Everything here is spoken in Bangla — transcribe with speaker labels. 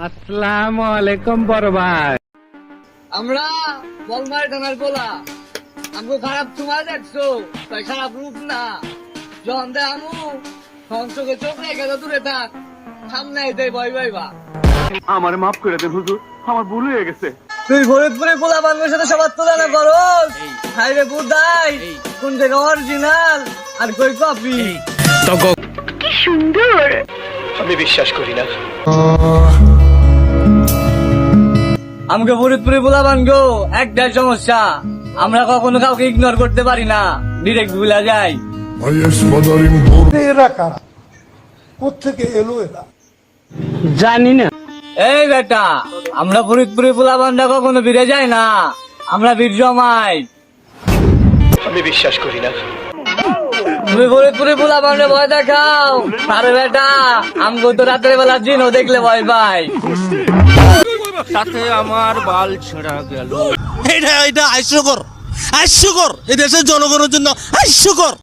Speaker 1: আসসালামু আলাইকুম বড় ভাই।
Speaker 2: আমরা বলমার থানার বলা আমগো খারাপ তোমার দেখছো তাই খারাপ রূপ না জন দে আমু সংসকে চোখ রেখে তো দূরে থাক সামনে আইতে ভয় পাইবা।
Speaker 3: আমার মাফ করে দেন হুজুর, আমার ভুল হয়ে গেছে।
Speaker 2: তুই ফরিদপুরে পোলা বান্ধবের সাথে সবার তুলনা করস হাইরে বুদাই কোন থেকে অরিজিনাল আর কই কপি।
Speaker 3: আমি বিশ্বাস করি না।
Speaker 2: আমাকে ফরিদপুরে পোলা বানগো একটাই সমস্যা, আমরা কখনো কাউকে ইগনোর করতে পারি না, ডিরেক্ট ভুলা যায়।
Speaker 4: এরা কারা, কোত্থেকে এলো এরা?
Speaker 1: জানি না।
Speaker 2: এই বেটা, আমরা ফরিদপুরে পোলা বান্ধা কখনো ফিরে যাই না, আমরা বীর জমাই।
Speaker 3: আমি বিশ্বাস করি না।
Speaker 2: তুমি ফরিদপুরে পোলা বান্ধে ভয় দেখাও, আরে বেটা আমগো তো রাতের বেলা জিনও দেখলে ভয় পাই।
Speaker 1: সাথে আমার বাল ছেঁড়া গেল।
Speaker 5: এটা হাস্যকর, হাস্যকর, এই দেশের জনগণের জন্য হাস্যকর।